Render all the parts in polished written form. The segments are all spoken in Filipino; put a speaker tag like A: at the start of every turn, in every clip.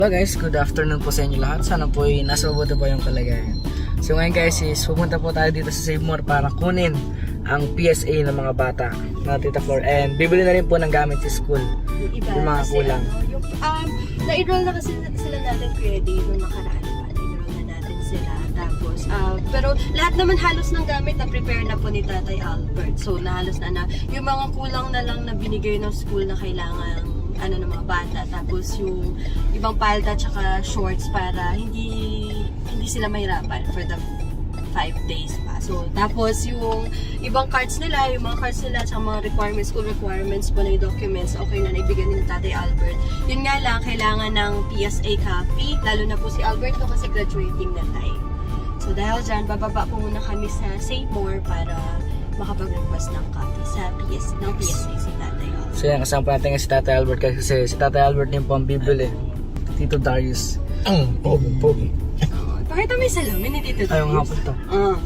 A: Hello guys, good afternoon po sa inyo lahat. Sana po ay nasa mabuti po yung kalagayan. So ngayon guys is pupunta po tayo dito sa Save More para kunin ang PSA ng mga bata na Tita Flor. And bibili na rin po ng gamit sa school. Yung mga kulang.
B: Na-enroll na kasi sila natin credit nung nakaraan pa. Na-enroll na natin sila. Tapos, pero lahat naman halos ng gamit na prepare na po ni Tatay Albert. So, nahalos na yung mga kulang na lang na binigay ng school na kailangan ng mga bata. Tapos yung ibang palda tsaka shorts para hindi sila mahirapan for the 5 days pa. So, tapos yung ibang cards nila, yung mga cards nila tsaka mga requirements, school requirements po na yung documents, okay na naibigyan ni Tatay Albert. Yun nga lang, kailangan ng PSA copy, lalo na po si Albert no, kasi graduating na tayo. So, dahil dyan, bababa po muna kami sa Save More para makapag-request ng copy ng PSA si Tatay Albert.
A: So yan, kasama po natin si Tatay Albert kasi si Tatay Albert din po ang bibili. Tito Darius.
C: Ang pogi.
B: Pakita mo yung salamin ni Tito Darius.
A: Ayaw nga po ito.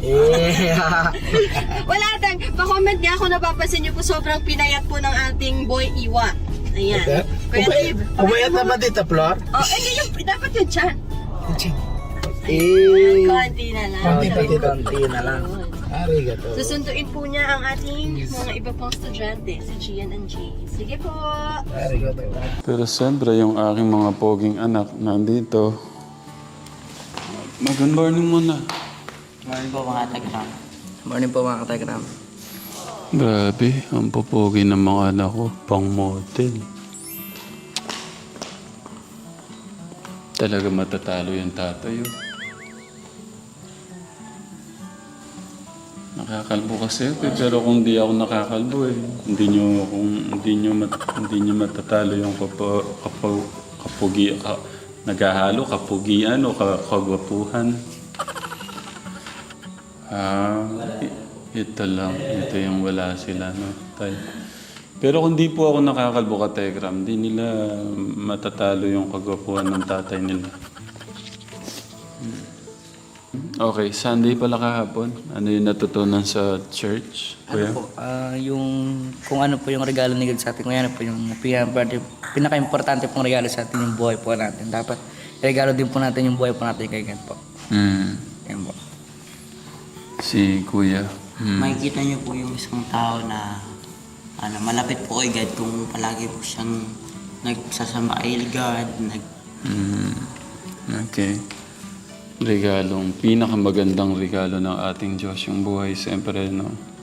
B: Wala tang, pa-comment niya ako, napapansin niyo po sobrang pinayat po ng ating boy Iwa. Ayan. Kuya Tib,
C: Umayat na ba dito, Flor?
B: dapat yun dyan. Konti na lang.
A: Konti na lang.
C: Arigato.
B: Susunduin po niya ang ating mga iba pang estudyante, si Gian and Jay. Sige po.
C: Arigato.
D: Pero siyempre, yung aking mga poging anak nandito. Good morning muna.
A: Morning po mga Telegram. Morning po mga Telegram.
D: Grabe, ang popogi ng mga anak ko. Pang model. Talaga matatalo yung tatay. Nakakalbo kasi ako pero kung di ako nakakalbo hindi nyo matatalo yung naghahalo kapugian o kagwapuhan. Ito lang, ito yung wala sila, no, tay. Pero kung di po ako nakakalbo ka Telegram, di nila matatalo yung kagwapuhan ng tatay nila. Okay, Sunday pala kahapon. Ano yung natutunan sa church? Kuya?
A: Ano po, yung kung ano po yung regalo ni God sa atin, kung ano po yung pinaka-importante pong regalo sa atin yung buhay po natin. Dapat regalo din po natin yung buhay po natin kay God po. Yan po.
D: Si Kuya.
E: Makikita niyo po yung isang tao na malapit po kay God kung palagi po siyang nagsasama kay God.
D: Okay. Regalong, pinakamagandang regalo ng ating Diyos, yung buhay, siyempre, no?